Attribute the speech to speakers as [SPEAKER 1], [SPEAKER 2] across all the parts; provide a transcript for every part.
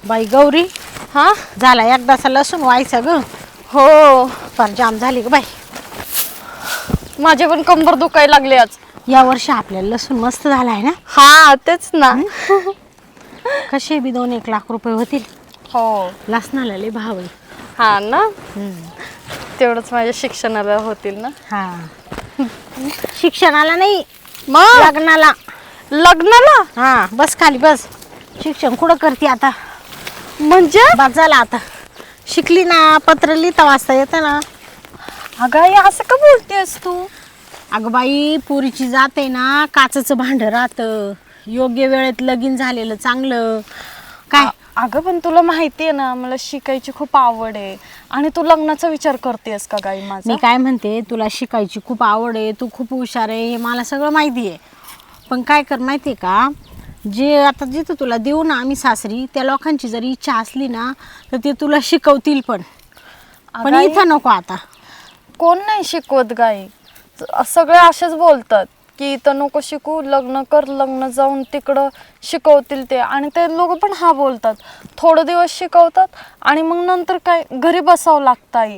[SPEAKER 1] बाई गौरी,
[SPEAKER 2] हा
[SPEAKER 1] झाला एकदाचा लसूण व्हायचा ग.
[SPEAKER 2] हो,
[SPEAKER 1] फार जाम झाली ग बाई.
[SPEAKER 2] माझे पण कंबर दुखायला लागले आज.
[SPEAKER 1] या वर्षी आपल्याला लसूण मस्त झालाय ना.
[SPEAKER 2] हा तेच ना.
[SPEAKER 1] कसे बी 2-1 लाख रुपये होतील.
[SPEAKER 2] हो
[SPEAKER 1] लसणाला लय भाव आहे.
[SPEAKER 2] हा ना, तेवढंच माझ्या शिक्षणाला होतील ना.
[SPEAKER 1] हा शिक्षणाला नाही,
[SPEAKER 2] मग
[SPEAKER 1] लग्नाला.
[SPEAKER 2] लग्नाला
[SPEAKER 1] हा बस खाली बस. शिक्षण कुठं करते आता.
[SPEAKER 2] म्हणजे
[SPEAKER 1] बस झाला आता. शिकली ना, पत्र लिहिता वाचता येतं ना.
[SPEAKER 2] अगं आई असं का बोलतेस तू.
[SPEAKER 1] अगं बाई, पोरीची जात आहे ना, काचेचं भांड राहतं. योग्य वेळेत लगीन झालेलं चांगलं. काय
[SPEAKER 2] अगं पण तुला माहितीये ना, मला शिकायची खूप आवड आहे आणि तू लग्नाचा विचार करतेस का गाई माझा.
[SPEAKER 1] मी काय म्हणते, तुला शिकायची खूप आवड आहे, तू खूप हुशार आहे, हे मला सगळं माहिती आहे. पण काय कर माहिती आहे का, जे आता जिथं तुला देऊ ना आम्ही सासरी, त्या लोकांची जर इच्छा असली ना तर ते तुला शिकवतील पण. पण
[SPEAKER 2] आई,
[SPEAKER 1] इथं नको आता.
[SPEAKER 2] कोण नाही शिकवत गाई. सगळे असेच बोलतात की इथं नको शिकू, लग्न कर, लग्न जाऊन तिकडं शिकवतील ते. आणि ते लोक पण हा बोलतात, थोडे दिवस शिकवतात आणि मग नंतर काय घरी बसावं लागतं आई.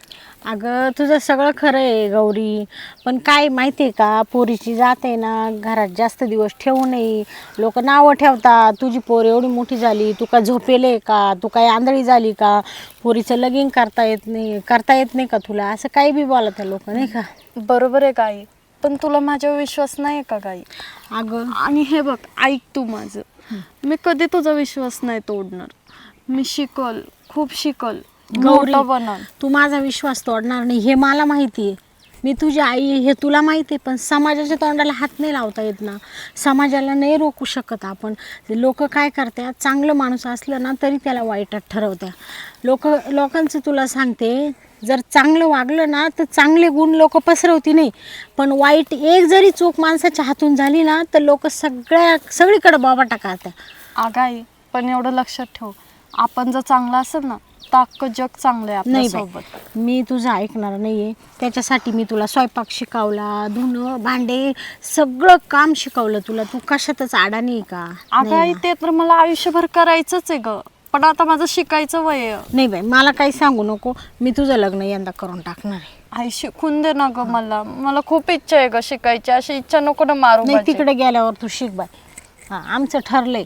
[SPEAKER 1] अगं तुझं सगळं खरं आहे गौरी, पण काय माहिती आहे का, पोरीची जात आहे ना, घरात जास्त दिवस ठेवू नये. लोक नावं ठेवतात, तुझी पोर एवढी मोठी झाली, तू काय झोपेले का, तू काय आंधळी झाली का, पोरीचं लगीन करता येत नाही का तुला, असं काही बी बोलत लोक नाही का.
[SPEAKER 2] बरोबर आहे गाई, पण तुला माझ्यावर विश्वास नाही का गाई.
[SPEAKER 1] अगं
[SPEAKER 2] आणि हे बघ ऐक तू माझं, मी कधी तुझा विश्वास नाही तोडणार. मी शिकल, खूप शिकल,
[SPEAKER 1] गौरी,
[SPEAKER 2] मोठं बनल.
[SPEAKER 1] तू माझा विश्वास तोडणार नाही हे मला माहिती आहे. मी तुझी आई हे तुला माहिती आहे, पण समाजाच्या तोंडाला हात नाही लावता येत ना. समाजाला नाही रोखू शकत आपण. लोक काय करतात, चांगलं माणूस असलं ना तरी त्याला वाईटात ठरवतात. लोकांचं तुला सांगते, जर चांगलं वागलं ना तर चांगले गुण लोक पसरवती नाही, पण वाईट एक जरी चूक माणसाच्या हातून झाली ना तर लोक सगळीकडे बाबाटा करतात.
[SPEAKER 2] आगाई, पण एवढं लक्षात ठेव, आपण जर चांगलं असेल ना तर अख्खं जग चांगलं आहे
[SPEAKER 1] नाही
[SPEAKER 2] आपल्यासोबत.
[SPEAKER 1] बाई, मी तुझं ऐकणार नाहीये. त्याच्यासाठी मी तुला स्वयंपाक शिकवला, धुणं भांडे सगळं काम शिकवलं तुला. तू कशातच आडा नाही का.
[SPEAKER 2] आगाई, ते तर मला आयुष्यभर करायचंच आहे ग, पण आता माझं शिकायचं वय आहे.
[SPEAKER 1] नाही बाई, मला काही सांगू नको, मी तुझं लग्न यंदा करून टाकणार आहे.
[SPEAKER 2] आई शिकून दे ना ग मला खूप इच्छा आहे ग शिकायची. अशी इच्छा नको ना मारू
[SPEAKER 1] नाही,
[SPEAKER 2] माझी.
[SPEAKER 1] तिकडे गेल्यावर तू शिक बाई. हां, आमचं ठरलंय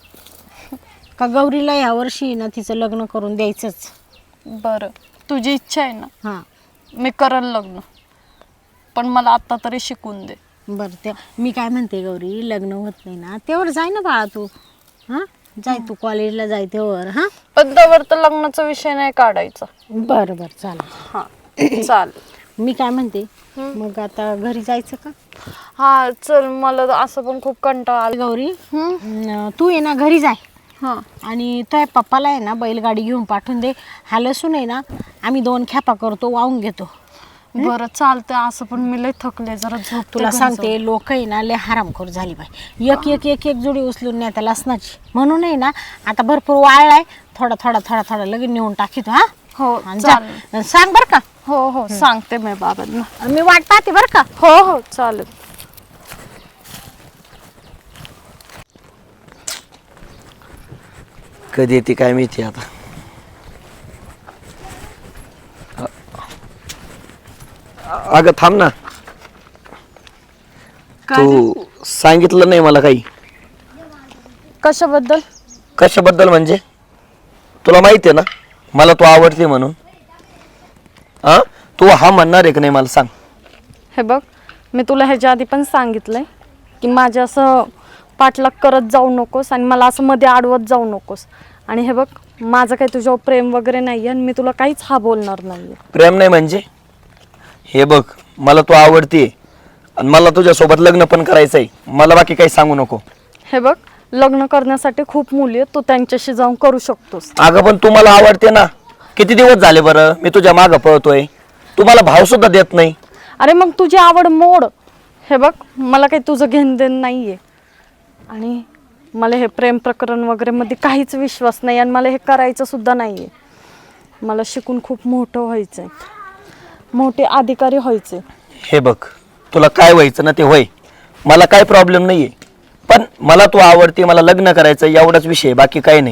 [SPEAKER 1] का गौरीला ह्या वर्षी ना तिचं लग्न करून द्यायचंच.
[SPEAKER 2] बरं, तुझी इच्छा आहे ना,
[SPEAKER 1] हां
[SPEAKER 2] मी करल लग्न, पण मला आता तरी शिकून दे.
[SPEAKER 1] बरं, ते मी काय म्हणते गौरी, लग्न होत नाही ना तेव्हा जाय ना बाळा तू. हां, जाय तू कॉलेजला जाय तेव्हा. हां,
[SPEAKER 2] पण त्यावर तर लग्नाचा विषय नाही काढायचा.
[SPEAKER 1] बरं बरं चालेल.
[SPEAKER 2] हां चाल.
[SPEAKER 1] मी काय म्हणते, मग आता घरी जायचं का.
[SPEAKER 2] हा चल, मला असं पण खूप कंटाळा आला.
[SPEAKER 1] गौरी, तू ये ना घरी जाय,
[SPEAKER 2] हां
[SPEAKER 1] आणि तो पप्पाला आहे ना बैलगाडी घेऊन पाठवून दे. हा लसूण आहे ना आम्ही 2 खेपा करतो, वाहून घेतो.
[SPEAKER 2] बरं चालतंय. असं पण मी लय थकले, जरा झोप.
[SPEAKER 1] तुला सांगते, लोक आहे ना लय हरामखोर झाली बाई. एक जुडी उचलून नाही आता लसणाची. म्हणून आहे ना आता भरपूर वाळलाय, थोडा लगेच नेऊन टाकीतो. हा
[SPEAKER 2] हो
[SPEAKER 1] आणि
[SPEAKER 2] चालेल.
[SPEAKER 1] जा, सांग बरं का.
[SPEAKER 2] हो सांगते मी बाबांना.
[SPEAKER 1] मी वाट पाहते बरं का.
[SPEAKER 2] हो चालेल.
[SPEAKER 3] कधी येते काय माहिती आता. अगं थांब ना, तू सांगितलं नाही मला काही.
[SPEAKER 2] कशाबद्दल.
[SPEAKER 3] कशाबद्दल म्हणजे, तुला माहिती आहे ना मला तू आवडते म्हणून. हा, तू हा म्हणणार आहे का नाही मला सांग.
[SPEAKER 2] हे बघ, मी तुला ह्याच्या आधी पण सांगितलंय की माझ्या असं पाठलाग करत जाऊ नकोस आणि मला असं मध्ये अडवत जाऊ नकोस. आणि हे बघ, माझं काही तुझ्यावर प्रेम वगैरे नाही आहे आणि मी तुला काहीच हा बोलणार नाही.
[SPEAKER 3] प्रेम नाही म्हणजे, हे बघ मला तू आवडते आणि मला तुझ्यासोबत लग्न पण करायचंय. मला बाकी काही सांगू नको.
[SPEAKER 2] हे बघ, लग्न करण्यासाठी खूप मुली आहेत, तू त्यांच्याशी जाऊन करू शकतोस.
[SPEAKER 3] अगं पण तू मला आवडते ना. किती दिवस झाले बरं मी तुझ्या मागं पळतोय, तू मला भाव सुद्धा देत नाही.
[SPEAKER 2] अरे मग तुझी आवड मोड. हे बघ, मला काही तुझं घेणं देणं नाही आहे आणि मला हे प्रेम प्रकरण वगैरे मध्ये काहीच विश्वास नाही आणि मला हे करायचं सुद्धा नाही आहे. मला शिकून खूप मोठं व्हायचं आहे, मोठे अधिकारी व्हायचे.
[SPEAKER 3] हे बघ, तुला काय व्हायचं ना ते होय, मला काय प्रॉब्लेम नाही आहे. पण मला तू आवडते, मला लग्न करायचं एवढाच विषय, बाकी काही नाही.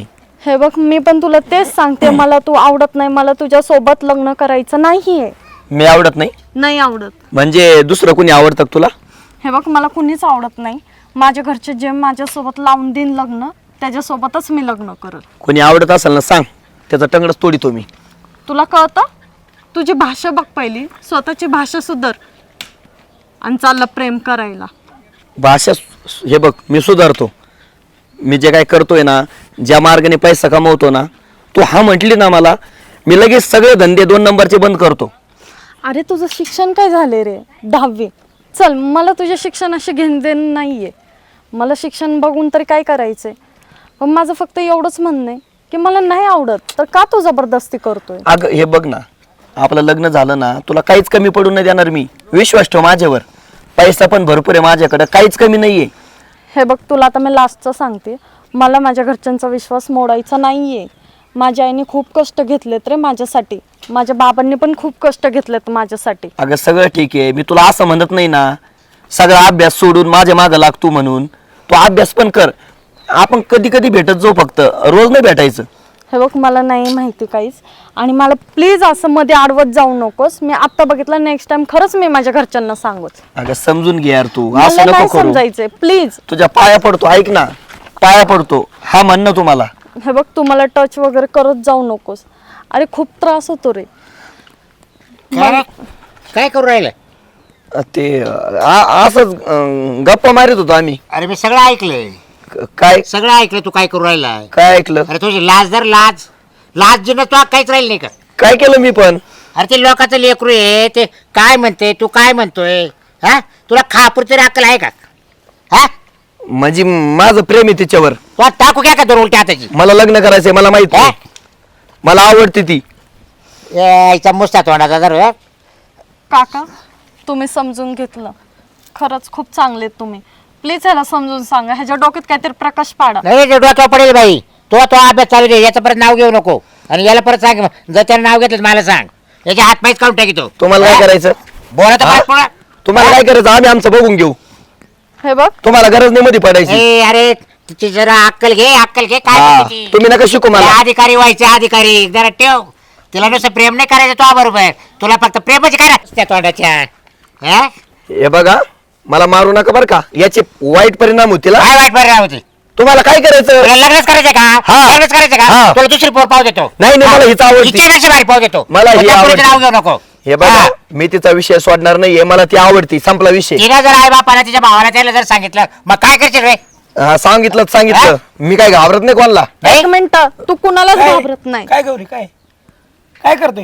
[SPEAKER 2] हे बघ मी पण तुला तेच सांगते, मला तू आवडत नाही, मला तुझ्या सोबत लग्न करायचं नाहीये.
[SPEAKER 3] मी आवडत नाही
[SPEAKER 2] नाही आवडत.
[SPEAKER 3] म्हणजे दुसरं कोणी आवडतं का तुला?
[SPEAKER 2] हे बघ मला कुणीच आवडत नाही. माझ्या घरचे जे माझ्यासोबत लावून देईन लग्न त्याच्यासोबतच मी लग्न करत.
[SPEAKER 3] कोणी आवडत असेल ना सांग, त्याचा टंगडच तोडीतो मी.
[SPEAKER 2] तुला कळतं? तुझी भाषा बघ पहिली, स्वतःची भाषा सुधार आणि चाललं प्रेम करायला.
[SPEAKER 3] भाषा हे बघ, मी सुधारतो. मी जे काय करतोय ना, ज्या मार्गाने पैसा कमवतो ना, तू हा म्हटली ना मला, मी लगेच सगळे धंदे 2 नंबरचे बंद करतो.
[SPEAKER 2] अरे तुझं शिक्षण काय झाले रे? 10वी. चल मला तुझ्या शिक्षणाशी घेणं देणं नाहीये. मला शिक्षण बघून तरी काय करायचंय. पण माझं फक्त एवढंच म्हणणं आहे की मला नाही आवडत तर का तू जबरदस्ती करतोय?
[SPEAKER 3] अगं हे बघ ना, आपलं लग्न झालं ना, तुला काहीच कमी पडून नाही देणार मी. विश्वास ठेव माझ्यावर. पैसा पण भरपूर आहे माझ्याकडे, काहीच कमी नाहीये.
[SPEAKER 2] हे बघ तुला आता मी लास्टचं सांगते, मला माझ्या घरच्यांचा विश्वास मोडायचा नाहीये. माझ्या आईने खूप कष्ट घेतलेत रे माझ्यासाठी, माझ्या बाबांनी पण खूप कष्ट घेतलेत माझ्यासाठी.
[SPEAKER 3] अगं सगळं ठीक आहे, मी तुला असं म्हणत नाही ना, सगळा अभ्यास सोडून माझ्या मागं लागतो म्हणून. तू अभ्यास पण कर, आपण कधी कधी भेटत जाऊ, फक्त रोज नाही भेटायचं.
[SPEAKER 2] हे बघ मला नाही माहिती काहीच, आणि मला प्लीज असं मध्ये अडवत जाऊ नकोस. मी आता बघितलं, नेक्स्ट टाइम खरंच मी माझ्या घरच्यांना सांगूच.
[SPEAKER 3] अगं समजून घे यार तू,
[SPEAKER 2] मला
[SPEAKER 3] असं
[SPEAKER 2] नाही
[SPEAKER 3] नको करू.
[SPEAKER 2] समजायचंय प्लीज.
[SPEAKER 3] तुझ्या पाया पडतो, ऐक ना, पाया पडतो, हा म्हणणं तुम्हाला.
[SPEAKER 2] हे बघ तू मला टच वगैरे करत जाऊ नकोस. अरे खूप त्रास होतो रे.
[SPEAKER 4] काय करू राहिलं?
[SPEAKER 3] ते असंच गप्पा मारत होतो आम्ही.
[SPEAKER 4] अरे मी सगळं ऐकलंय,
[SPEAKER 3] काय
[SPEAKER 4] सगळं ऐकलं. तू काय करू राहिला?
[SPEAKER 3] काय ऐकलं?
[SPEAKER 4] अरे तुझी लाज धर, लाज लाज जिनं तू काहीच राहील नाही का?
[SPEAKER 3] काय केलं मी पण?
[SPEAKER 4] अरे ते लोकांचं लेकरू आहे, ते काय म्हणते, तू काय म्हणतोय? हा, तुला खापूर तरी अक्कल आहे का? हा,
[SPEAKER 3] म्हणजे माझं प्रेम आहे तिच्यावर.
[SPEAKER 4] तू टाकू क्या का दोन उलट्या हाताची?
[SPEAKER 3] मला लग्न करायचंय, मला माहित
[SPEAKER 4] हा?
[SPEAKER 3] नाही. मला आवडते ती.
[SPEAKER 4] यायचा मुस्ता तोंडाचा जर
[SPEAKER 2] काका तुम्ही समजून घेतलं, खरंच खूप चांगले आहेत तुम्ही. प्लीज ह्याला समजून सांगा, ह्याच्या डोक्यात काहीतरी प्रकाश पाडा.
[SPEAKER 4] नाही, ते डोक्यावर पडेल बाई. तो अभ्यास चालू दे, याचं परत नाव घेऊ नको. आणि याला परत सांग, जर त्यानं नाव घेतलं तर मला सांग, याच्या हात पायच काढून टाकी.
[SPEAKER 3] तुम्हाला काय करायचं?
[SPEAKER 4] बोला तर
[SPEAKER 3] हा?
[SPEAKER 4] पाठ पडा.
[SPEAKER 3] तुम्हाला काय करायचं आम्ही आमचं बघून घेऊ.
[SPEAKER 2] हे बघ
[SPEAKER 3] तुम्हाला गरज नाही मध्ये पडायची.
[SPEAKER 4] ए, अरे तिची जरा अक्कल घे, अक्कल घे. काय
[SPEAKER 3] हा,
[SPEAKER 4] म्हणते ती?
[SPEAKER 3] तुम्ही नका शिकू मला.
[SPEAKER 4] त्या अधिकारी व्हायचे, अधिकारी जरा ठेव. तिला नुसतं प्रेम नाही करायचं तो बरोबर, तुला फक्त प्रेमच करा त्या तोंडाच्या. हा?
[SPEAKER 3] हे बघा, मला मारू नका बरं का, याचे वाईट परिणाम होतील. हा?
[SPEAKER 4] काय वाट बरं होती?
[SPEAKER 3] तुम्हाला काय करायचं?
[SPEAKER 4] तुला लग्नच करायचं का?
[SPEAKER 3] हा.
[SPEAKER 4] लग्नच करायचं का?
[SPEAKER 3] हा.
[SPEAKER 4] तुला दुसरी पोर पाव देतो.
[SPEAKER 3] नाही, नाही, मला हीच आवडती.
[SPEAKER 4] हिच्यापेक्षा भारी पाव देतो.
[SPEAKER 3] मला ही
[SPEAKER 4] पण त्या पोरीचं
[SPEAKER 3] आवडती.
[SPEAKER 4] नाव घेऊ नको.
[SPEAKER 3] हे बघा,
[SPEAKER 4] हा.
[SPEAKER 3] मी तिचा विषय सोडणार नाहीये, मला ती आवडती, संपला विषय.
[SPEAKER 4] तिला जर आई बापाला तिच्या भावाला त्याला जर सांगितलं, मग काय करशील रे?
[SPEAKER 3] सांगितलं सांगितलं, मी काय घाबरत नाही कोणाला.
[SPEAKER 4] नाही?
[SPEAKER 2] एक मिनिट, तू कुणालाच
[SPEAKER 5] काय?
[SPEAKER 2] घाबरत नाही.
[SPEAKER 5] काय गौरी काय काय करतोय?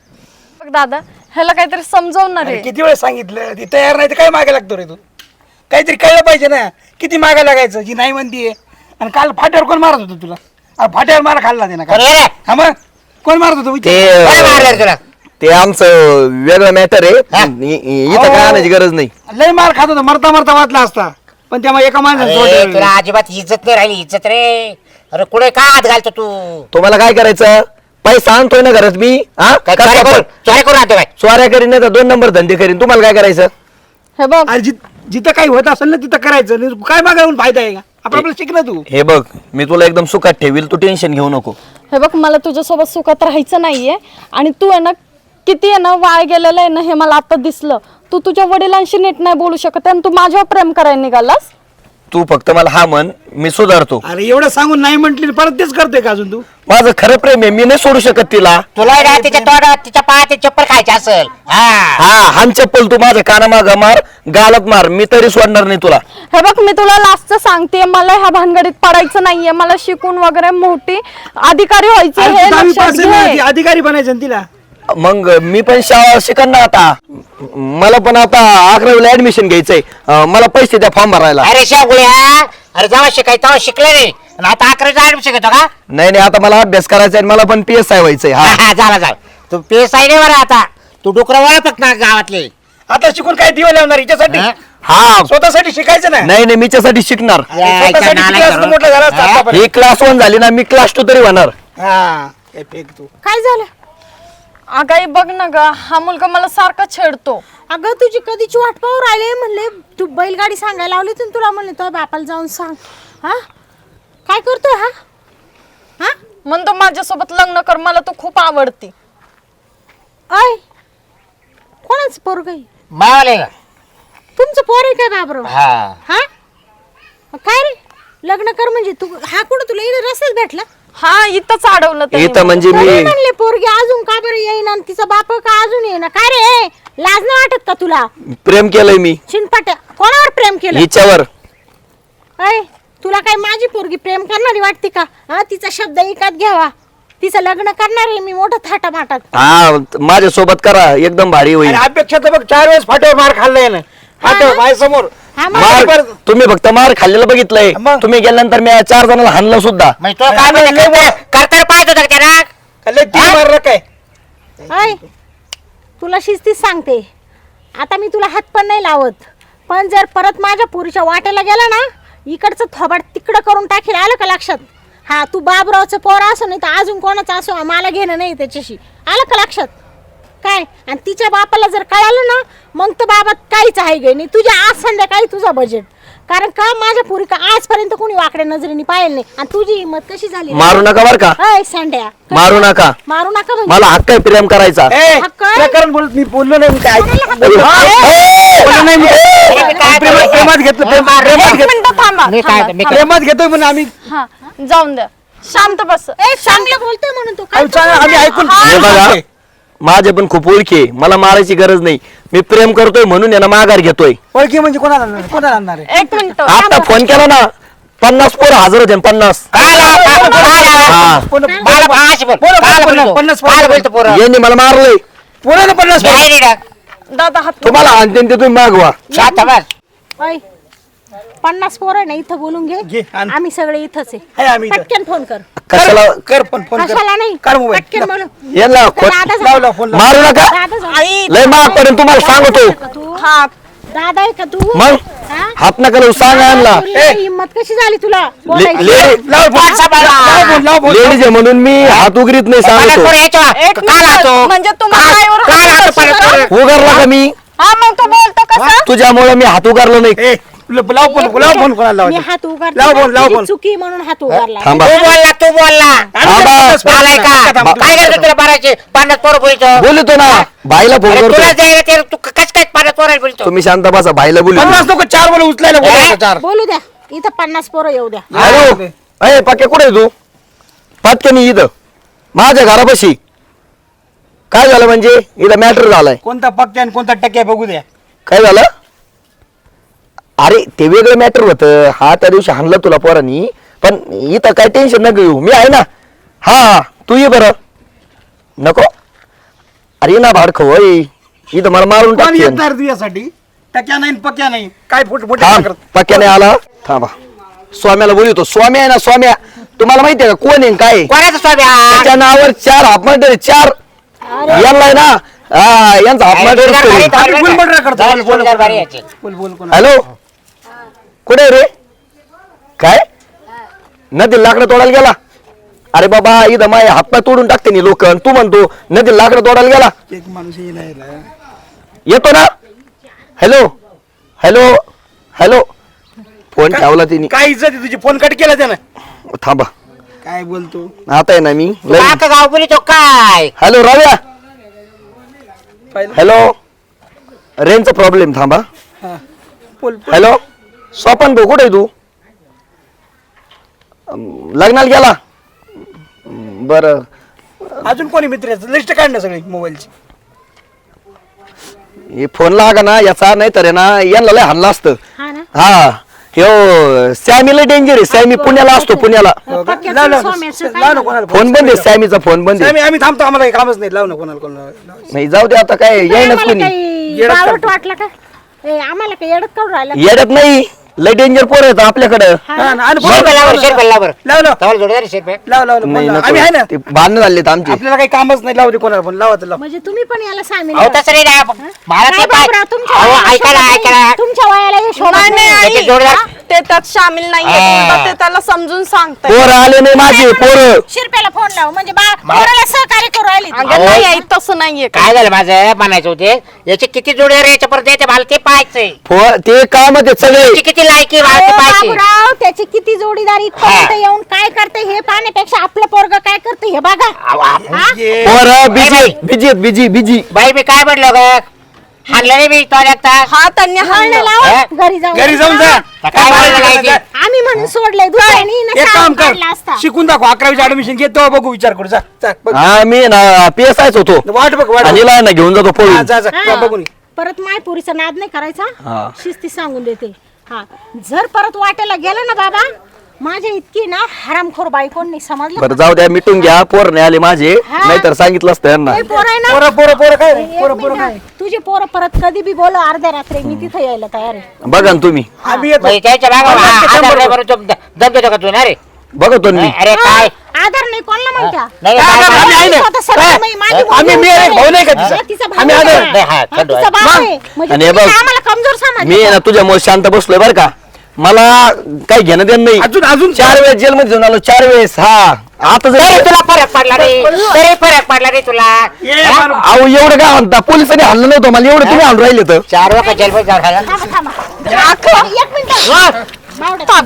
[SPEAKER 2] बघ दादा, ह्याला काहीतरी समजवणार
[SPEAKER 5] अरे
[SPEAKER 2] आहे.
[SPEAKER 5] किती वेळ सांगितलं, ती तयार नाही तर काय मागे लागतो रे तू? काहीतरी कळलं पाहिजे ना, किती मागे लागायचं? जी नाही म्हणतीये. आणि काल फाट्यावर कोण मारत होतं तुला? फाट्यावर मारा खाल्ला ते ना काल.
[SPEAKER 4] अरे रे,
[SPEAKER 5] हा मग कोण मारत होतं
[SPEAKER 3] ते
[SPEAKER 5] विचार?
[SPEAKER 4] कोणी मारलं रे तुला?
[SPEAKER 3] ते आमचं वेगळं मॅटर आहे.
[SPEAKER 4] हा?
[SPEAKER 3] इथं काय आणायची गरज नाही.
[SPEAKER 5] लय मार खात होता, मरता मरता वाचला असता, पण तेव्हा एका माणसाने
[SPEAKER 4] अरे,
[SPEAKER 5] सोडलं.
[SPEAKER 4] तुला अजिबात इज्जत नाही राहिली, इज्जत रे. अरे कुठे काय हात घालतो तू?
[SPEAKER 3] तुम्हाला काय करायचं? पैसा आणतोय ना घरात मी. हा?
[SPEAKER 4] काय चोऱ्या करून चोऱ्या करून आणतो काय?
[SPEAKER 3] स्वाऱ्या करीन नाही तर 2 नंबर धंदे करीन. तुम्हाला काय करायचं?
[SPEAKER 2] हे बघ
[SPEAKER 5] अरे जिथं काही होत असेल ना तिथं करायचं नाही. काय मागायला फायदा आहे का? आपलं शिक ना तू.
[SPEAKER 3] हे बघ, मी तुला एकदम सुखात ठेवील, तू टेन्शन घेऊ नको.
[SPEAKER 2] हे बघ मला तुझ्यासोबत सुखात राहायचं नाहीये. आणि तू आहे ना, किती आहे ना वाया गेलेलं आहे ना, हे मला आता दिसलं. तू तुझ्या वडिलांशी नीट नाही बोलू शकत आणि तू माझ्यावर प्रेम करायला निघालास.
[SPEAKER 3] तू फक्त मला हा म्हण, मी सुधारतो.
[SPEAKER 5] अरे एवढं सांगून नाही म्हटली परत तेच करतोय का अजून तू?
[SPEAKER 3] माझं खरं प्रेम आहे, मी नाही सोडू शकत तिला.
[SPEAKER 4] तुला ना तिच्या तोंडात तिच्या पायात चप्पल खायची असेल. हा,
[SPEAKER 3] हा, हान चप्पल तू माझ्या कानामाग मार, गालत मार, मी तरी सोडणार नाही तुला.
[SPEAKER 2] हे बघ मी तुला लास्टचं सांगते, मला ह्या भानगडीत पडायचं नाहीये. मला शिकून वगैरे मोठी अधिकारी व्हायचे,
[SPEAKER 5] अरे
[SPEAKER 2] हे
[SPEAKER 5] तू 10वी
[SPEAKER 2] लक्षात
[SPEAKER 5] पास आहे ना, ती
[SPEAKER 2] घे.
[SPEAKER 5] अधिकारी बनायचं ना तिला.
[SPEAKER 3] मग मी पण शाळा शिकन ना आता. मला पण आता 11वीला ऍडमिशन घ्यायचंय. मला पैसे द्या फॉर्म भरायला.
[SPEAKER 4] अरे शागुळ्या, अरे जेव्हा शिकाय तेव्हा शिकले नाही, आणि आता 11वीचा ऍडमिशन घेतो का?
[SPEAKER 3] नाही नाही, आता मला अभ्यास करायचा आहे, मला पण PSI व्हायचंय.
[SPEAKER 4] हा,
[SPEAKER 3] हा,
[SPEAKER 4] हा, झाला. तू पेसाई नाही बरं आता. तू डुकरं ओळखत ना गावातले.
[SPEAKER 5] आता शिकून काय दिवा लावणार हिच्यासाठी?
[SPEAKER 4] हा?
[SPEAKER 3] हा.
[SPEAKER 5] स्वतःसाठी शिकायचं ना.
[SPEAKER 3] नाही नाही, मीच्यासाठी शिकणार.
[SPEAKER 4] यायचा
[SPEAKER 5] स्वतःसाठी
[SPEAKER 4] नालायक
[SPEAKER 5] किती असतं
[SPEAKER 4] करून.
[SPEAKER 5] मोठं झालं असतं
[SPEAKER 4] हा?
[SPEAKER 5] आतापर्यंत.
[SPEAKER 3] ही क्लास 1 झाली ना, मी क्लास 2 तरी होणार.
[SPEAKER 5] हा, काय फेक तू.
[SPEAKER 1] काय झालं?
[SPEAKER 2] अगाई बघ ना ग, हा मुलगा मला सारखा छेडतो.
[SPEAKER 1] अगं तुझी कधीची वाट पाहू राहिले, म्हणले तू बैलगाडी सांगायला लावली तुला म्हणले तो बापाला जाऊन सांग. हा काय करतोय हा? हा
[SPEAKER 2] म्हणतो माझ्यासोबत लग्न कर, मला तू खूप आवडती.
[SPEAKER 1] अय कोणाच पोरग आहे?
[SPEAKER 4] मावाले का?
[SPEAKER 1] तुमचं पोर आहे काय बाबरो?
[SPEAKER 4] हा
[SPEAKER 1] हा काय रे लग्न कर म्हणजे तू हा कुठं तुला इकडे रस्ताच भेटला?
[SPEAKER 2] हा इथंच अडवलं त्याने
[SPEAKER 3] इथं म्हणजे
[SPEAKER 1] तरी
[SPEAKER 3] मी
[SPEAKER 1] म्हणले पोरगी अजून का बरं येईना आणि तिचा बाप का अजून येईना? काय रे लाज नाही वाटत का तुला?
[SPEAKER 3] प्रेम केलंय मी
[SPEAKER 1] शिनपाट्या कोणावर प्रेम केलं?
[SPEAKER 3] हिच्यावर.
[SPEAKER 1] अय तुला काय माझी पोरगी प्रेम करणारी वाटते का? हा तिचा शब्द ऐकत घ्यावा. तिचं लग्न करणार आहे मी मोठं थाटामाटात.
[SPEAKER 3] हा माझ्या सोबत करा एकदम भारी होईल.
[SPEAKER 5] आणि अपेक्षा तर बघ 4 वेळेस फाट्यावर मार खाल्लाय ना. फाट्यावर माझ्यासमोर.
[SPEAKER 1] हा मग
[SPEAKER 3] मार तुम्ही फक्त मार खाल्लेलं बघितलंय.
[SPEAKER 5] मग?
[SPEAKER 3] तुम्ही गेल्यानंतर मी 4 जणांना हाणलं सुद्धा.
[SPEAKER 4] म्हणजे तो काय म्हणते, करताना पाहत होता का त्याला?
[SPEAKER 5] लय तीर मारलं काय?
[SPEAKER 1] अय तुला शिस्तीच सांगते आता मी तुला हात पण नाही लावत, पण जर परत माझ्या पुरीच्या वाट्याला गेला ना इकडचं थोबाड तिकडं करून टाकेल. आलं का लक्षात? हा तू बाबरावचं पोर असो नाही तर अजून कोणाचं असो मला घेणं नाही त्याच्याशी. आलं का लक्षात? काय आणि तिच्या बापाला जर कळालं ना मग तर बाबा काहीच आहे गे नाही. तुझ्या आज संध्याकाळी तुझा बजेट, कारण का माझ्या पुरी का आजपर्यंत कोणी वाकड्या नजरेने पाहिलं नाही. आणि तुझी हिंमत कशी झाली?
[SPEAKER 3] मारू नका बर का,
[SPEAKER 1] अय सांड्या
[SPEAKER 3] मारू नका.
[SPEAKER 1] मारू नका म्हणजे
[SPEAKER 3] मला हक्क आहे प्रेम करायचा.
[SPEAKER 5] ए,
[SPEAKER 1] हक्क आहे?
[SPEAKER 5] प्रकरण बोलत मी बोललो नाही मी काय
[SPEAKER 3] बोललो नाही मी.
[SPEAKER 5] प्रेमात घेतलं प्रेमात
[SPEAKER 2] एक मिनिट थांबा,
[SPEAKER 4] मी काय मी काय-
[SPEAKER 5] प्रेमात घेतोय म्हणून आम्ही
[SPEAKER 2] हा जाऊन द्या, शांत बस.
[SPEAKER 1] चांगलं बोलतोय म्हणून तू काय
[SPEAKER 5] आम्ही ऐकून
[SPEAKER 3] हे बघा माझे पण खूप ओळखी आहे, मला मारायची गरज नाही. मी प्रेम करतोय म्हणून यांना माघार घेतोय.
[SPEAKER 5] ओळखी म्हणजे कोणाला आणणार? कोणाला आणणार आहे?
[SPEAKER 2] एक मिनिट
[SPEAKER 3] आता फोन केला ना 50 पोरं हजर होते 50. हा.
[SPEAKER 4] मला भाष बोल.
[SPEAKER 5] बोला,
[SPEAKER 4] काल
[SPEAKER 5] बोला,
[SPEAKER 4] बोलतो.
[SPEAKER 5] 50
[SPEAKER 4] काल बोलतो पोरं.
[SPEAKER 3] यांनी मला मारलंय.
[SPEAKER 5] पोराला 50
[SPEAKER 4] नाही रे डाग.
[SPEAKER 2] दादा हात
[SPEAKER 3] तुम्हाला आणते ते तुम्ही मागवा.
[SPEAKER 4] शांत बस.
[SPEAKER 1] अय 50 पोरं ना इथं बोलून
[SPEAKER 5] घे,
[SPEAKER 1] घे.
[SPEAKER 5] आण.
[SPEAKER 1] आम्ही सगळे इथंच
[SPEAKER 5] आहे
[SPEAKER 1] आहे.
[SPEAKER 5] आम्ही इथं.
[SPEAKER 1] पटकन फोन कर.
[SPEAKER 3] कशाला
[SPEAKER 5] कर पण फोन कर.
[SPEAKER 1] कशाला नाही
[SPEAKER 5] कर मोबाईल.
[SPEAKER 1] पटकन बोलू.
[SPEAKER 3] यांना
[SPEAKER 1] दादा
[SPEAKER 5] लाव लाव फोन लाव.
[SPEAKER 3] मारू नका.
[SPEAKER 1] दादा जाऊ.
[SPEAKER 3] लय माग पडेल तुम्हाला सांगतो.
[SPEAKER 1] का तू?
[SPEAKER 2] हा
[SPEAKER 1] दादा आहे का तू?
[SPEAKER 3] मग
[SPEAKER 1] हा?
[SPEAKER 3] हात नका लावू, सांगा यांना.
[SPEAKER 1] तुला हिंमत कशी झाली तुला बोलायची?
[SPEAKER 5] लाव फोन लाव फोन लाव फोन
[SPEAKER 3] लेडीज आहे म्हणून मी हात उघडीत नाही
[SPEAKER 4] मला
[SPEAKER 3] सांगतो.
[SPEAKER 4] पोरं याच्यावर.
[SPEAKER 2] एक
[SPEAKER 4] काल
[SPEAKER 2] मिनिट,
[SPEAKER 4] आतो.
[SPEAKER 2] म्हणजे तुम्हाला पायावर
[SPEAKER 4] काल
[SPEAKER 2] हात
[SPEAKER 4] आतो
[SPEAKER 2] बसवला?
[SPEAKER 4] परत पोरं.
[SPEAKER 3] उगारला का मी?
[SPEAKER 2] हा मग तो बोलतो कसं?
[SPEAKER 3] तुझ्यामुळे मी हात उगारलो नाही.
[SPEAKER 5] ए लाव फोन कोणाला
[SPEAKER 1] मी
[SPEAKER 5] लावायचा?
[SPEAKER 1] हात उगारला
[SPEAKER 5] लाव फोन, लाव
[SPEAKER 1] तुझी
[SPEAKER 5] फोन.
[SPEAKER 1] चुकी म्हणून हात उगारला.
[SPEAKER 3] थांबा
[SPEAKER 4] तू बोलला तू बोलला. आलाय का? काय करतो तुला मारायचे 50 पोरं बोलतो.
[SPEAKER 3] बोलतो ना भाईला फोन
[SPEAKER 4] अरे
[SPEAKER 3] करतो.
[SPEAKER 4] तुला द्यायला ते तू कस काय 50 पोरं बोलतो.
[SPEAKER 3] तुम्ही शांत बसा, भाईला बोलू.
[SPEAKER 5] 50 नको 4 बोल उचलायला बोलायचं 4.
[SPEAKER 1] बोलू द्या इथं 50 पोरं येऊ द्या.
[SPEAKER 3] हॅलो अरे पक्के कुठे आहे तू? पटकन इथं माझ्या घरापाशी. काय झालं म्हणजे इथं मॅटर झालाय.
[SPEAKER 5] कोणता पक्क्या आणि कोणता टक्क्या बघू द्या.
[SPEAKER 3] काय झालं? अरे ते वेगळं मॅटर होतं. हा त्या दिवशी हाणलं तुला पोरांनी, पण इथं काय टेन्शन नको घेऊ, मी आहे ना. हा तू ये बरं. नको अरे ना भाडखो होय, इथं मला मारून
[SPEAKER 5] कोण
[SPEAKER 3] टाकते.
[SPEAKER 5] येणार तुझ्यासाठी? टक्क्या नाही पक्क्या नाही काय फोटो
[SPEAKER 3] थांब पक्क्याने आला. थांबा स्वाम्याला बोलतो. स्वामी आहे ना, स्वाम्या तुम्हाला माहितीये का कोण आहे काय आहे?
[SPEAKER 4] कोणाचं स्वाम्या?
[SPEAKER 3] त्याच्या नावावर 4 हाफमर्डर 4 यांना आहे ना. हा यांचा हाफमर्डर.
[SPEAKER 5] बोल मर्डर करतो.
[SPEAKER 4] जाऊन जोडीदार बारी यायचे.
[SPEAKER 5] बोल बोल कोण
[SPEAKER 3] हॅलो कुठे आहे रे? काय नदी लाकडं तोडायला गेला? अरे बाबा इथं माय हातपाय तोडून टाकते नी लोक. तू म्हणतो नदी लाकडं तोडायला गेला.
[SPEAKER 5] एक माणूस येईल
[SPEAKER 3] येतो ना. हॅलो हॅलो हॅलो फोन ठेवला तिने.
[SPEAKER 5] काय इज्जत आहे तुझी? फोन कट केला त्यानं.
[SPEAKER 3] थांबा
[SPEAKER 5] काय बोलतो?
[SPEAKER 3] आता आहे ना मी
[SPEAKER 4] काका गाव बोलितो काय?
[SPEAKER 3] हॅलो रव्या. हॅलो रेंजचा प्रॉब्लेम. थांबा.
[SPEAKER 5] हा. बोल
[SPEAKER 3] हॅलो स्वपन भाऊ कुठे आहे तू? लग्नाला गेला? बरं
[SPEAKER 5] अजून कोणी मित्र लिस्ट काढ ना सगळी मोबाईलची.
[SPEAKER 3] हे फोन लागा ना याचा, नाही तर आहे ना यांना लय हाणलं असतं.
[SPEAKER 1] हा ना
[SPEAKER 3] हा ह्यो सॅमी लय डेंजर आहे. सॅमी पुण्याला असतो, पुण्याला.
[SPEAKER 1] पक्क्याचं
[SPEAKER 5] लाव ना
[SPEAKER 1] स्वाम्याचं काय
[SPEAKER 5] लाव ना
[SPEAKER 1] झालं?
[SPEAKER 5] कोणाला
[SPEAKER 3] फोन बंद आहे, सॅमीचा फोन बंद आहे.
[SPEAKER 5] आम्ही थांबतो, आम्हाला काही कामच नाही. लाव ना कोणाला
[SPEAKER 3] नाही जाऊ दे आता, काय येईनच
[SPEAKER 1] आम्हाला
[SPEAKER 3] कोणी.
[SPEAKER 1] काही
[SPEAKER 5] येडत
[SPEAKER 1] बावळट
[SPEAKER 5] करतो.
[SPEAKER 1] वाटलं का? ए, आम्हाला काही येडत काढून राहिलं?
[SPEAKER 3] येडत नाही, लय डेंजर पोर आहेत आपल्याकडं.
[SPEAKER 5] हा ना, आणि
[SPEAKER 4] शेरपे लावर शेरपे लावर.
[SPEAKER 5] लाव लाव
[SPEAKER 4] तवाला जोडीदार शेरपे.
[SPEAKER 5] लाव लाव
[SPEAKER 3] नाही
[SPEAKER 5] लाव. आम्ही आहे ना.
[SPEAKER 3] नको, ते भांडण झालेत आमचे.
[SPEAKER 5] आपल्याला काही कामच नाही. लाव दे कोणाला पण. लावा तर लाव.
[SPEAKER 1] म्हणजे तुम्ही पण याला सामील
[SPEAKER 4] अहो
[SPEAKER 1] करा.
[SPEAKER 4] तसं नाही ना. मला
[SPEAKER 1] काय
[SPEAKER 4] ते पाय.
[SPEAKER 1] बाबराव, तुमच्या
[SPEAKER 4] अहो
[SPEAKER 1] वयाला
[SPEAKER 4] ऐका ना
[SPEAKER 1] शोभत
[SPEAKER 4] ऐका
[SPEAKER 1] नाही.
[SPEAKER 4] ना.
[SPEAKER 1] तुमच्या वयाला हे शोभत
[SPEAKER 2] नाही,
[SPEAKER 1] नाही.
[SPEAKER 2] नाही,
[SPEAKER 4] त्याचे जोडीदार.
[SPEAKER 2] ते त्यात सामील नाहीये.
[SPEAKER 4] हा.
[SPEAKER 2] उलटं ते त्याला समजून सांगताय.
[SPEAKER 3] पोर आले नाही माझे पोर.
[SPEAKER 1] शिरप्याला फोन लाव म्हणजे पोराला सहकार्य करू राहिली ती.
[SPEAKER 2] अगं नाही आई, तसं नाहीये
[SPEAKER 4] काय झालं माझं म्हणायचं होते याचे किती जोडीदार याच्या परत द्यायचे मला ते पाहायचंय.
[SPEAKER 3] ते काम ते सगळे
[SPEAKER 4] याचे किती लायकी वाळकी पाहिजे.
[SPEAKER 1] बाबूराव त्याची किती जोडीदार इथपर्यंत येऊन काय करते हे पाहण्यापेक्षा आपलं पोरग काय करते हे बघा. हा?
[SPEAKER 3] पोरं बिजी बिजी
[SPEAKER 4] बाई मी काय म्हणलो ग हाणलं नाही मी तो एकटा.
[SPEAKER 2] हा त्यांनी
[SPEAKER 1] हाणं
[SPEAKER 2] हाणलं.
[SPEAKER 1] लावा, घरी जाऊन
[SPEAKER 5] घरी जाऊन जा.
[SPEAKER 4] काय बोलायला लायकी?
[SPEAKER 1] आम्ही म्हणून सोडलंय दुसऱ्यानी ना
[SPEAKER 5] एक काम
[SPEAKER 1] शाळेत
[SPEAKER 5] कर
[SPEAKER 1] काढला असता.
[SPEAKER 5] शिकून दाखव 11वीचं ऍडमिशन घे तेव्हा बघू विचार करू जा जा, बघ.
[SPEAKER 3] हा मी ना PSIच होतो
[SPEAKER 5] वाट बघ वाट
[SPEAKER 3] आणि
[SPEAKER 5] बघ.
[SPEAKER 3] ना घेऊन जातो
[SPEAKER 5] हा,
[SPEAKER 3] पळून
[SPEAKER 5] जा जा
[SPEAKER 1] हा.
[SPEAKER 5] बघून ये.
[SPEAKER 1] परत मायपुरीचा नाद नाही करायचा
[SPEAKER 3] हा.
[SPEAKER 1] शिस्ती सांगून देते. हा जर परत वाटेला गेलं ना बाबा माझ्या इतकी ना हरामखोर बायकोन नाही समजलं.
[SPEAKER 3] बरं जाऊ द्या मिटून घ्या पोर नाही आले माझे
[SPEAKER 1] हा.
[SPEAKER 3] नाहीतर सांगितलं असतं यांना
[SPEAKER 1] लय पोरं आहे ना.
[SPEAKER 5] पोरं पोरं पोरं काय
[SPEAKER 1] एक
[SPEAKER 5] पोरं पोरं काय
[SPEAKER 1] मिनिट. तुझी पोरं परत कधी बी बोल अर्ध्या रात्री मी तिथे यायला तयार आहे.
[SPEAKER 3] बघा ना तुम्ही
[SPEAKER 5] आम्ही येतो
[SPEAKER 4] म्हणजे त्याच्या दम देतो का तू ना रे?
[SPEAKER 3] बघतो ना मी
[SPEAKER 4] अरे काय
[SPEAKER 1] आधार नाही कोणाला माहिती
[SPEAKER 4] नाही,
[SPEAKER 5] काय आधार? आम्ही आहे ना.
[SPEAKER 1] स्वतः सगळं
[SPEAKER 5] काय?
[SPEAKER 1] नाही, माझी मुलगी
[SPEAKER 5] आम्ही मी आहे, भाऊ नाही का तिचा?
[SPEAKER 1] हा, तिचा भाऊ
[SPEAKER 5] आम्ही
[SPEAKER 1] आहे.
[SPEAKER 5] आधार.
[SPEAKER 4] नाही, हा,
[SPEAKER 1] हा,
[SPEAKER 4] खंडू
[SPEAKER 1] तिचा
[SPEAKER 4] आहे.
[SPEAKER 1] भाऊ आहे. म्हणजे
[SPEAKER 3] आणि हे
[SPEAKER 1] तुम्ही
[SPEAKER 3] बघ,
[SPEAKER 1] आम्हाला कमजोर समजले
[SPEAKER 3] मी
[SPEAKER 1] का?
[SPEAKER 3] ना तुझ्यामुळे शांत बसलोय बरं का मला काही घेणं देणं नाही
[SPEAKER 5] अजून
[SPEAKER 3] 4 वेळेस जेलमध्ये जाऊन आलो 4 वेळेस हा आता
[SPEAKER 4] तरी
[SPEAKER 3] जर
[SPEAKER 4] तुला फरक पडला रे तरी फरक पडला रे तुला.
[SPEAKER 5] ये
[SPEAKER 4] हा?
[SPEAKER 5] मारू.
[SPEAKER 3] अहो एवढं काय म्हणता पोलिसांनी हल्लं नव्हतं मला एवढं तुम्ही आणून राहिले तर
[SPEAKER 4] 4 वेळा जेलमध्ये जाऊन आला.
[SPEAKER 1] थांबा. एक मिनिट बावड्या.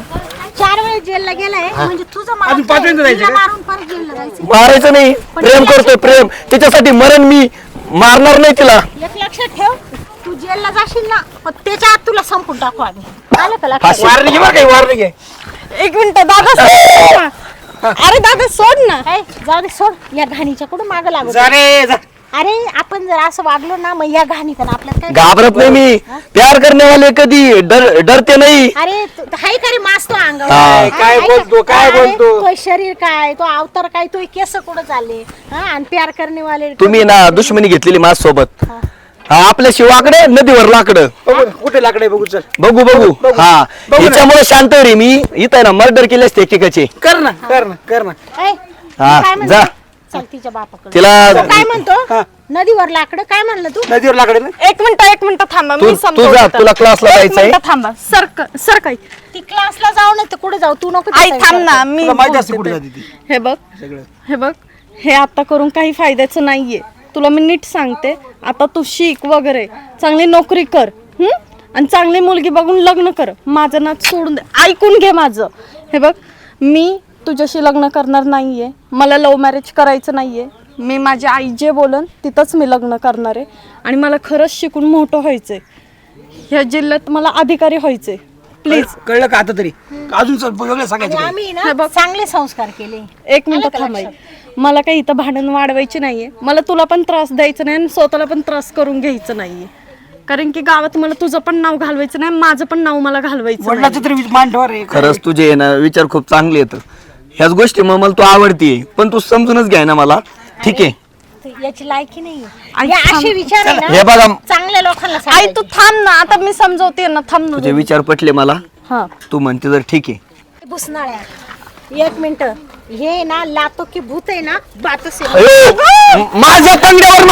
[SPEAKER 1] 4 वेळेस जेलला गेलाय म्हणजे तुझं मला
[SPEAKER 5] अजून 5 वेळेस जायचं
[SPEAKER 1] तिला
[SPEAKER 5] का?
[SPEAKER 1] मारून परत जेलला जायचं.
[SPEAKER 3] मारायचं नाही प्रेम करतोय प्रेम तिच्यासाठी मरण मी मारणार नाही तिला
[SPEAKER 1] एक लक्षात ठेव तू जेलला जाशील ना पण त्याच्या आत तुला संपून टाकू आम्ही. आलं का लक्षात?
[SPEAKER 5] वारणी घे बरं काही वारणी घे
[SPEAKER 2] एक मिनिट दादा सोड ना. अरे दादा सोड ना.
[SPEAKER 1] ए, जाऊ दे सोड या घाणीच्या कुठं मागं लागू
[SPEAKER 5] जा रे जा
[SPEAKER 1] अरे आपण जर असं वागलो ना मग या घाणीत आपल्याला काय
[SPEAKER 3] घाबरत नाही मी प्यार करने वाले कधी डरते नाही
[SPEAKER 1] अरे हाय का रे मासतो अंगावर
[SPEAKER 3] हा.
[SPEAKER 1] हा,
[SPEAKER 5] काय
[SPEAKER 1] हाय का?
[SPEAKER 5] बोलतो, काय
[SPEAKER 1] अरे,
[SPEAKER 5] बोलतो?
[SPEAKER 1] तो शरीर काय तो अवतार काय तो केस कुठं चालले हा आणि प्यार करणे वाले
[SPEAKER 3] तुम्ही ना दुश्मनी घेतलेली माझ सोबत हा आपल्या शिवाकडे नदीवर लाकडं
[SPEAKER 5] बघू कुठे लाकडे बघू चल
[SPEAKER 3] बघू बघू हा
[SPEAKER 5] बघू ना.
[SPEAKER 3] हिच्यामुळे शांत रे मी इथं आहे ना मर्डर केले असते एकेकाचे
[SPEAKER 5] कर ना कर ना कर ना
[SPEAKER 1] ए,
[SPEAKER 3] हा,
[SPEAKER 1] काय म्हणतो?
[SPEAKER 3] जा.
[SPEAKER 1] चल तिच्या बापाकडे
[SPEAKER 3] तिला
[SPEAKER 1] तो काय म्हणतो
[SPEAKER 5] हा.
[SPEAKER 1] नदीवर लाकडं काय म्हणलं तू
[SPEAKER 5] नदीवर लाकडे ना
[SPEAKER 2] एक मिनिट थांबा
[SPEAKER 3] तू-
[SPEAKER 2] मी
[SPEAKER 3] तू
[SPEAKER 2] समजवते
[SPEAKER 3] जा,
[SPEAKER 2] त्याला.
[SPEAKER 3] तुला क्लासला
[SPEAKER 2] एक
[SPEAKER 3] जायचंय.
[SPEAKER 2] मिनिटं थांबा सरकाई
[SPEAKER 1] ती क्लासला जाऊ नाही तर कुठे जाऊ तू नको
[SPEAKER 2] आई
[SPEAKER 1] तिचा
[SPEAKER 2] थांब
[SPEAKER 1] विचार
[SPEAKER 2] ना
[SPEAKER 1] कर.
[SPEAKER 2] मी
[SPEAKER 5] तुला माहिती असते
[SPEAKER 2] बोलते
[SPEAKER 5] कुठे
[SPEAKER 2] ते.
[SPEAKER 5] जाते ती
[SPEAKER 2] हे बघ
[SPEAKER 5] सगळं
[SPEAKER 2] हे बघ हे आता करून काही फायद्याचं नाहीये तुला मी नीट सांगते आता तू शिक वगैरे चांगली नोकरी कर आणि चांगली मुलगी बघून लग्न कर माझं नाच सोडून दे ऐकून घे माझं हे बघ मी तुझ्याशी लग्न करणार नाहीये मला लव्ह मॅरेज करायचं नाहीये मी माझी आई जे बोलन तिथंच मी लग्न करणार आहे आणि मला खरंच शिकून मोठं व्हायचंय ह्या जिल्ह्यात मला अधिकारी व्हायचंय प्लीज
[SPEAKER 5] कळलं का आता तरी अजून वेगळं
[SPEAKER 1] आणि
[SPEAKER 5] सांगायचं काय?
[SPEAKER 1] आम्ही ना चांगले संस्कार केले
[SPEAKER 2] एक मिनिट थांबाई मला काही इथं भांडण वाढवायची नाहीये मला तुला पण त्रास द्यायचा नाही आणि स्वतःला पण त्रास करून घ्यायचं नाहीये कारण की गावात मला तुझं पण नाव घालवायचं नाही माझं पण नाव मला घालवायचं नाही.
[SPEAKER 5] वडिलाचं तरी मान ठेवा रे
[SPEAKER 3] खरंच तुझे आहे ना विचार खूप चांगले येत ह्याच गोष्टी मग मला तू आवडतीये पण तू समजूनच घ्याय ना मला ठीक आहे
[SPEAKER 1] तर याची लायकी नाही
[SPEAKER 2] आई,
[SPEAKER 1] या असे विचार आहे
[SPEAKER 3] हे
[SPEAKER 1] ना
[SPEAKER 3] बघा
[SPEAKER 1] चांगल्या लोकांना
[SPEAKER 2] आई
[SPEAKER 1] सांगायचे.
[SPEAKER 2] तू थांब ना आता मी समजवते ना थांब ना
[SPEAKER 3] तुझे विचार पटले मला
[SPEAKER 2] हा
[SPEAKER 3] तू म्हणते तर ठीक आहे
[SPEAKER 1] भुसनाळ्या एक मिनिट हे ना लातो की भूत आहे ना बातच आहे.
[SPEAKER 3] अयो, माझ्या कंगड्यावर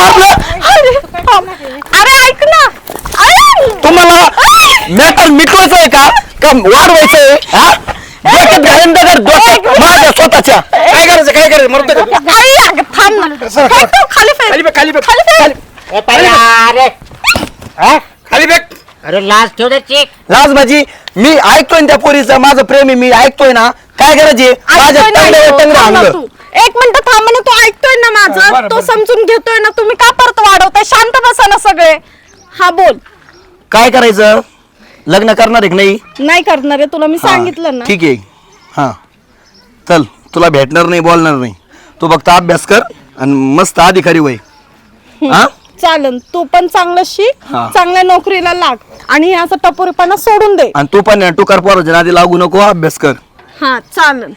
[SPEAKER 3] मारलं
[SPEAKER 2] अरे ऐक ना आई!
[SPEAKER 3] तुम्हाला मॅटर मिटवायचं आहे का वाढवायचंय हा डोक्यात घालून दगड डोक्यात माझ्या स्वतःच्या
[SPEAKER 5] काय करायचं मरतो का तू?
[SPEAKER 2] आई, अगं, थांब ना फेक तू, खाली फेक.
[SPEAKER 5] खाली बघ खाली बघ
[SPEAKER 2] खाली फेक.
[SPEAKER 4] ए पहिला अरे हा?
[SPEAKER 5] खाली बघ
[SPEAKER 4] अरे लाज ठेव दे चीक.
[SPEAKER 3] लाज माझी मी ऐकतोय ना त्या पोरीचं माझं प्रेम आहे मी ऐकतोय ना काय करायचे माझ्या
[SPEAKER 2] ऐकतोय ना
[SPEAKER 3] टंगड्यावर
[SPEAKER 2] तू,
[SPEAKER 3] टंगडं
[SPEAKER 2] थांब ना
[SPEAKER 3] आणलं
[SPEAKER 2] तू. एक मिनिट थांब ना तू ऐकतोय ना माझं
[SPEAKER 5] बरं,
[SPEAKER 2] तो
[SPEAKER 5] बरं.
[SPEAKER 2] समजून घेतोय ना तुम्ही का परत वाढवताय शांत बसा ना सगळे हा बोल
[SPEAKER 3] काय करायचं लग्न करणार आहे की नाही
[SPEAKER 2] नाही करणार आहे तुला मी
[SPEAKER 3] हा,
[SPEAKER 2] सांगितलं ना
[SPEAKER 3] ठीक आहे हा चल तुला भेटणार नाही बोलणार नाही तू फक्त अभ्यास कर आणि मस्त अधिकारी वय हा
[SPEAKER 2] चालन तू पण चांगलं शिक
[SPEAKER 3] हा.
[SPEAKER 2] चांगल्या नोकरीला लाग आणि असं टपोरीपणा सोडून दे
[SPEAKER 3] आणि तू पण टुकार पोराच्या नादी लागू नको अभ्यास कर
[SPEAKER 2] हा चालन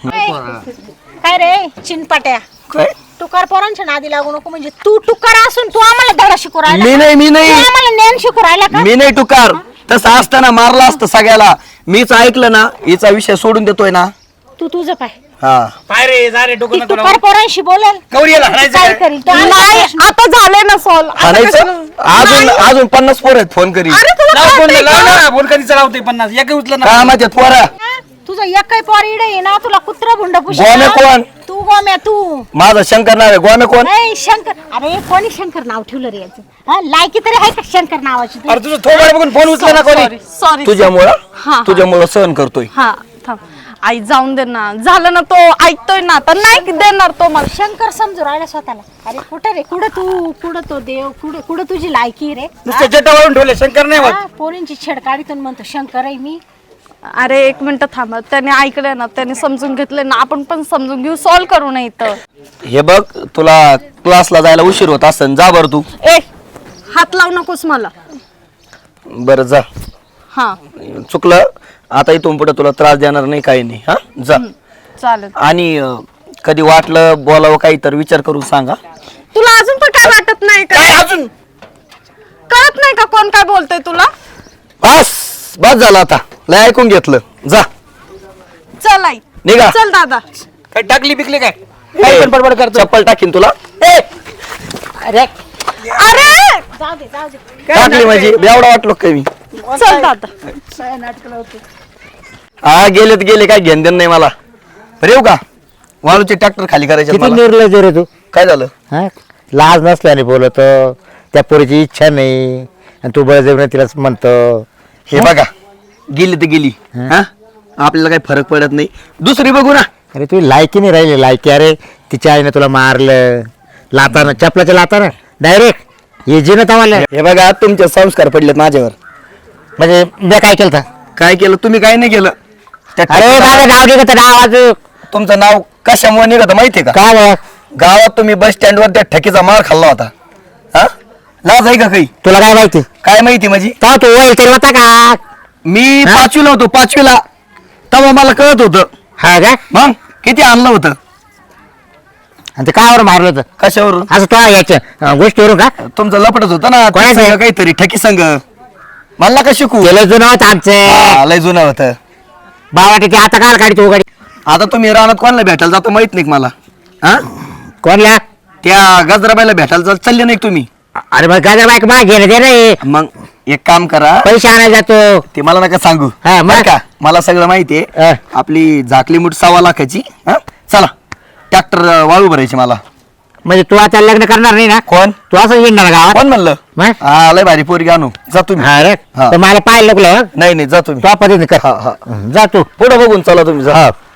[SPEAKER 1] काय रे चिनपाट्या
[SPEAKER 3] काय
[SPEAKER 1] तुकार पोरांच्या नादी लागू नको म्हणजे तू तुकार असून तू आम्हाला धडा शिकू राहिला
[SPEAKER 3] मी
[SPEAKER 1] का?
[SPEAKER 3] नाही मी
[SPEAKER 1] तू
[SPEAKER 3] नाही
[SPEAKER 1] आम्हाला ज्ञान शिकू राहिला का
[SPEAKER 3] मी नाही टुकार तसं असताना मारला असतं सगळ्याला मीच ऐकलं ना हिचा विषय सोडून देतोय ना
[SPEAKER 1] तू तुझं पाय
[SPEAKER 3] हा
[SPEAKER 5] पाय रे जा रे डोकं
[SPEAKER 1] ती
[SPEAKER 5] नको
[SPEAKER 1] तुकार पोरांशी बोलेल
[SPEAKER 5] गौरी याला हाणायचं
[SPEAKER 1] काय
[SPEAKER 5] काय?
[SPEAKER 1] करील तो
[SPEAKER 2] नाही आता झाले ना सॉल्व
[SPEAKER 3] आणायचं अजून 50 पोर आहेत फोन करी
[SPEAKER 2] अरे तुला
[SPEAKER 5] लाव फोन
[SPEAKER 2] कळतंय
[SPEAKER 5] लाव
[SPEAKER 2] का?
[SPEAKER 5] ना फोन कधी चलावते 50 एक उचलं ना
[SPEAKER 3] काय माहिती पोरा
[SPEAKER 1] तुझं एक काही पोर इडे आहे ना तुला कुत्रा भुंड
[SPEAKER 3] गोण्या कोण?
[SPEAKER 1] तू गोम्या तू.
[SPEAKER 3] माझं शंकर नाव आहे, गोम्या कोण?
[SPEAKER 1] ए, शंकर. अरे कोणी शंकर नाव ठेवलं रे याचं? हा, लायकी तरी आहे का शंकर नावाची तू?
[SPEAKER 5] अरे तुझं थोबाड बघून फोन उचला ना कोणी.
[SPEAKER 2] सॉरी
[SPEAKER 3] तुझ्यामुळं सहन करतोय.
[SPEAKER 2] हा थांब आई जाऊन दे ना, झालं ना, तो ऐकतोय ना, तर नाही देणार तो मला.
[SPEAKER 1] शंकर समजू राहिला स्वतःला. अरे कुठं रे, कुठं तो देव, कुठं तुझी लायकी रे?
[SPEAKER 5] नुसतं जटावरून ठेवले शंकर नाही होत.
[SPEAKER 1] हा, पोरींची छेड काढीतून म्हणतो शंकर आहे मी.
[SPEAKER 2] अरे एक मिनिट थांबा, त्याने ऐकलंय ना, त्याने समजून घेतलंय ना, आपण पण समजून घेऊ, सॉल्व करू नये तर.
[SPEAKER 3] हे बघ, तुला क्लासला जायला उशीर होत असेल, जा बरं तू.
[SPEAKER 2] ए हात लावू नकोस मला.
[SPEAKER 3] बरं जा,
[SPEAKER 2] हा
[SPEAKER 3] चुकलं. आता इथून पुढे तुला त्रास देणार नाही, काही नाही. हा जा.
[SPEAKER 2] चालेल.
[SPEAKER 3] आणि कधी वाटलं बोलावं काही तर विचार करून सांगा.
[SPEAKER 2] तुला अजून पण काय वाटत नाही का?
[SPEAKER 5] काय अजून
[SPEAKER 2] कळत नाही का कोण काय बोलतोय तुला?
[SPEAKER 3] बस झालं आता, लय ऐकून घेतलं. जा
[SPEAKER 2] चल आई
[SPEAKER 3] निघा.
[SPEAKER 2] चल दादा.
[SPEAKER 5] काय टाकली पिकली काय? काय पण बडबड करतो.
[SPEAKER 3] चप्पल टाकीन तुला.
[SPEAKER 1] अरे
[SPEAKER 2] अरे
[SPEAKER 1] जाऊ दे जाऊ दे.
[SPEAKER 3] टाकली माझी एवढा वाटलो काय मी.
[SPEAKER 2] चल दादा.
[SPEAKER 3] हा गेले काय घेण देण नाही मला. बरं येऊ का? वाळूचे ट्रॅक्टर खाली करायचे
[SPEAKER 6] किती
[SPEAKER 3] मला.
[SPEAKER 6] निर्लज रे तू.
[SPEAKER 3] काय झालं?
[SPEAKER 6] हा लाज नसल्याने बोलतो, त्या पोरीची इच्छा नाही आणि तू बळजबरीने तिला म्हणतो.
[SPEAKER 3] हे बघा, गेली तर गेली. हा आपल्याला काही फरक पडत नाही, दुसरी बघू ना.
[SPEAKER 6] अरे तू लायकी नाही राहिली. लायकी अरे तिच्या आईने तुला मारलं लाताना, चपलाच्या लाताना डायरेक्ट हे जिनं तवाला.
[SPEAKER 3] हे बघा, तुमचे संस्कार पडलेत माझ्यावर.
[SPEAKER 6] म्हणजे मी काय केलं होतं?
[SPEAKER 3] काय केलं तुम्ही? काय नाही केलं. त्या
[SPEAKER 6] अरे माझं नाव निघत नाव वाजू.
[SPEAKER 3] तुमचं नाव कशामुळे निघत माहितीये का?
[SPEAKER 6] काय बघ,
[SPEAKER 3] गावात तुम्ही बस स्टँडवर त्या ठकीचा मार खाल्ला होता. हा लाज आहे का काही?
[SPEAKER 6] तुला काय माहिती?
[SPEAKER 3] काय माहिती माझी?
[SPEAKER 6] तेव्हा तू वय केलं होता का?
[SPEAKER 3] मी
[SPEAKER 6] हा?
[SPEAKER 3] 5वीला होतो, 5वीला. तेव्हा मला कळत होतं.
[SPEAKER 6] हा का?
[SPEAKER 3] मग किती आणलं होतं?
[SPEAKER 6] आणि ते कावर मारलं होतं
[SPEAKER 3] कशावरून?
[SPEAKER 6] असं तो याच्या गोष्टीवरून का?
[SPEAKER 3] तुमचं लपटच होतं ना,
[SPEAKER 6] कोणाचं?
[SPEAKER 3] संघ काहीतरी ठकी संघ. मला का शिकू?
[SPEAKER 6] गेलं जुनं होतं आमचं.
[SPEAKER 3] हा, लय जुनं होतं.
[SPEAKER 6] बाबाटी आता काय काढी तू गाडी
[SPEAKER 3] आता तुम्ही रानात कोणाला भेटायला जाता माहित नाही का मला? हा
[SPEAKER 6] कोणल्या?
[SPEAKER 3] त्या गजराबाईला भेटायला चालले नाही का तुम्ही?
[SPEAKER 6] अरे मग गाजर बाईक माग घेणं दे रे.
[SPEAKER 3] मग एक काम करा,
[SPEAKER 6] पैसे आणायला जातो.
[SPEAKER 3] ते मला नका सांगू.
[SPEAKER 6] हा, मग?
[SPEAKER 3] बरं का, मला सगळं माहितीये.
[SPEAKER 6] हा.
[SPEAKER 3] आपली झाकली मुठ 1.25 लाखाची. हा चला, ट्रॅक्टर वाळू भरायची मला.
[SPEAKER 6] म्हणजे तू आता लग्न करणार नाही ना?
[SPEAKER 3] कोण
[SPEAKER 6] तू असं येणार गावात?
[SPEAKER 3] कोण म्हणलं?
[SPEAKER 6] मग?
[SPEAKER 3] हा लय भारी पोरगी आणू. जा तुम्ही.
[SPEAKER 6] हा रे
[SPEAKER 3] हा.
[SPEAKER 6] तर मला पाहिलं लागलं.
[SPEAKER 3] नाही जा तुम्ही.
[SPEAKER 6] तो पद्धतीने कर.
[SPEAKER 3] हा हा
[SPEAKER 6] जा तू.
[SPEAKER 3] पुढे बघून चला तुम्ही. जा.
[SPEAKER 6] हा